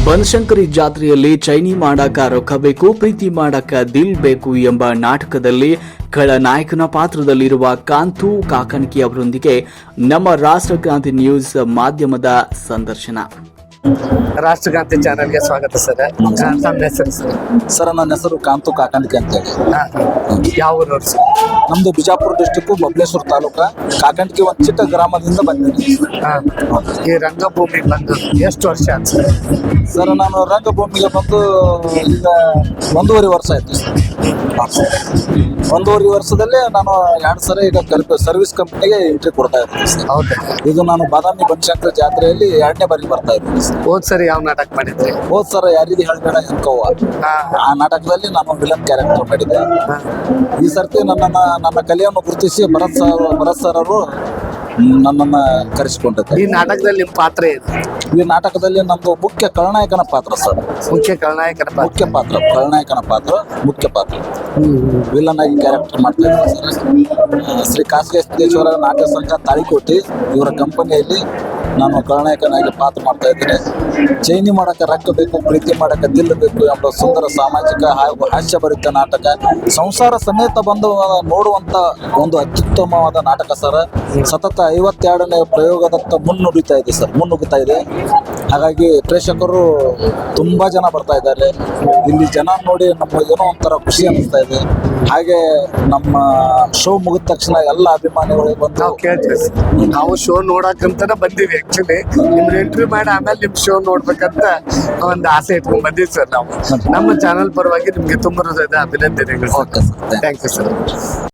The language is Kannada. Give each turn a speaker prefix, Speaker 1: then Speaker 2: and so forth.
Speaker 1: ಬನಶಂಕರಿ ಜಾತ್ರೆಯಲ್ಲಿ ಚೈನಿ ಮಾಡಾಕ ರೊಕ್ಕ ಬೇಕು, ಪ್ರೀತಿ ಮಾಡಾಕ ದಿಲ್ ಬೇಕು ಎಂಬ ನಾಟಕದಲ್ಲಿ ಖಳನಾಯಕನ ಪಾತ್ರದಲ್ಲಿರುವ ಕಾಂತು ಕಾಕಣಿಕೆ ಅವರೊಂದಿಗೆ ನಮ್ಮ ರಾಷ್ಟ್ರಕ್ರಾಂತಿ ನ್ಯೂಸ್ ಮಾಧ್ಯಮದ ಸಂದರ್ಶನ.
Speaker 2: ರಾಷ್ಟ್ರಕ್ರಾಂತಿ ಚಾನೆಲ್ಗೆ ಸ್ವಾಗತ ಸರ್. ನಮ್ಮ ಹೆಸರು ಸರ್?
Speaker 3: ಸರ್, ನನ್ನ ಹೆಸರು ಕಾಂತು ಕಾಕಣಿಕೆ ಅಂತೇಳಿ.
Speaker 2: ಯಾವ ಊರವ್ರು ಸರ್?
Speaker 3: ನಮ್ದು ಬಿಜಾಪುರ ಡಿಸ್ಟಿಕ್ ಬಬಲೇಶ್ವರ ತಾಲೂಕ ಕಾಕಣಿಕೆ ಒಂದು ಚಿಕ್ಕ ಗ್ರಾಮದಿಂದ ಬಂದಿದ್ದೀನಿ.
Speaker 2: ಈ ರಂಗಭೂಮಿಗೆ ಬಂದು ಎಷ್ಟು ವರ್ಷ ಆಯ್ತು ಸರ್?
Speaker 3: ಸರ್, ನಾನು ರಂಗಭೂಮಿಗೆ ಬಂದು ಈಗ 1.5 ವರ್ಷ ಆಯ್ತು ಸರ್. 1.5 ವರ್ಷದಲ್ಲೇ ನಾನು 2 ಸರಿ ಈಗ ಸರ್ವಿಸ್ ಕಂಪ್ನಿಗೆ ಎಂಟ್ರಿ ಕೊಡ್ತಾ ಇದ್ದೀನಿ ಸರ್.
Speaker 2: ಹೌದಾ?
Speaker 3: ಇದು ನಾನು ಬಾದಾಮಿ ಬನಶಂಕರಿ ಜಾತ್ರೆಯಲ್ಲಿ 2ನೇ ಬಾರಿ ಬರ್ತಾ ಇದ್ದೀನಿ ಸರ್.
Speaker 2: ಹೋದ್ ಸರಿ ಯಾವ ನಾಟಕ ಮಾಡಿದ್ರಿ?
Speaker 3: ಹೋದ್ ಸರ್ ಯಾರಿದು ಹೇಳ್ಬೇಡ ಎನ್ಕೋವ, ಆ ನಾಟಕದಲ್ಲಿ ನಾನು ವಿಲನ್ ಕ್ಯಾರೆಕ್ಟರ್ ಮಾಡಿದ್ದೆ. ಈ ಸರ್ತಿ ನನ್ನ ಕಲೆಯನ್ನು ಗುರುತಿಸಿ ಭರತ್ ಸರ್ ಅವರು ನನ್ನನ್ನು ಕರೆಸಿಕೊಂಡಿದ್ದಾರೆ.
Speaker 2: ಈ ನಾಟಕದಲ್ಲಿ ನಿಮ್ಮ ಪಾತ್ರ ಏನು?
Speaker 3: ಈ ನಾಟಕದಲ್ಲಿ ನಮ್ದು ಮುಖ್ಯ ಖಳನಾಯಕನ ಪಾತ್ರ ಸರ್.
Speaker 2: ಮುಖ್ಯ ಖಳನಾಯಕನ ಪಾತ್ರ.
Speaker 3: ಖಳನಾಯಕನ ಪಾತ್ರ ಮುಖ್ಯ ಪಾತ್ರ. ವಿಲನ್ ಆಗಿ ಕ್ಯಾರೆಕ್ಟರ್ ಮಾಡ್ತಾ ಇದ್ದಾರೆ ಸರ್. ಶ್ರೀ ಖಾಸಗಿ ಸಿದ್ದೇಶ್ವರ ನಾಟ್ಯ ಸಂಘ ತಾಳಿಕೋಟಿ ಇವರ ಕಂಪನಿಯಲ್ಲಿ ನಾನು ಖಳನಾಯಕನಾಗಿ ಪಾತ್ರ ಮಾಡ್ತಾ ಇದ್ದೇನೆ. ಚೈನಿ ಮಾಡಕ್ಕೆ ರೊಕ್ಕ ಬೇಕು, ಪ್ರೀತಿ ಮಾಡಕ್ಕೆ ದಿಲ್ ಬೇಕು ಎಂಬ ಸುಂದರ ಸಾಮಾಜಿಕ ಹಾಗೂ ಹಾಸ್ಯಭರಿತ ನಾಟಕ. ಸಂಸಾರ ಸಮೇತ ಬಂದು ನೋಡುವಂತ ಒಂದು ಅತ್ಯುತ್ತಮವಾದ ನಾಟಕ ಸರ್. ಸತತ 52ನೇ ಪ್ರಯೋಗದತ್ತ ಮುನ್ನುಗ್ಗುತ್ತಾ ಇದೆ. ಹಾಗಾಗಿ ಪ್ರೇಕ್ಷಕರು ತುಂಬಾ ಜನ ಬರ್ತಾ ಇದ್ದಾರೆ. ಇಲ್ಲಿ ಜನ ನೋಡಿ ನಮಗೇನೋ ಒಂಥರ ಖುಷಿ ಅನಿಸ್ತಾ ಇದೆ. ಹಾಗೆ ನಮ್ಮ ಶೋ ಮುಗಿದ ತಕ್ಷಣ ಎಲ್ಲ ಅಭಿಮಾನಿಗಳು ಬಂದು
Speaker 2: ನಾವು ಕೇಳ್ತೀವಿ. ನಾವು ಶೋ ನೋಡಕ್ಕಂತಾನೆ ಬಂದೀವಿ. ಆಕ್ಚುಲಿ ನಿಮ್ನ ಇಂಟರ್ವ್ಯೂ ಮಾಡಿ ಆಮೇಲೆ ನಿಮ್ ಶೋ ನೋಡ್ಬೇಕಂತ ಒಂದು ಆಸೆ ಇಟ್ಕೊಂಡ್ ಬಂದೀವಿ ಸರ್. ನಾವು ನಮ್ಮ ಚಾನಲ್ ಪರವಾಗಿ ನಿಮ್ಗೆ ತುಂಬ ಹೃದಯದ ಅಭಿನಂದನೆಗಳು.
Speaker 3: Okay sir,
Speaker 2: thank you sir.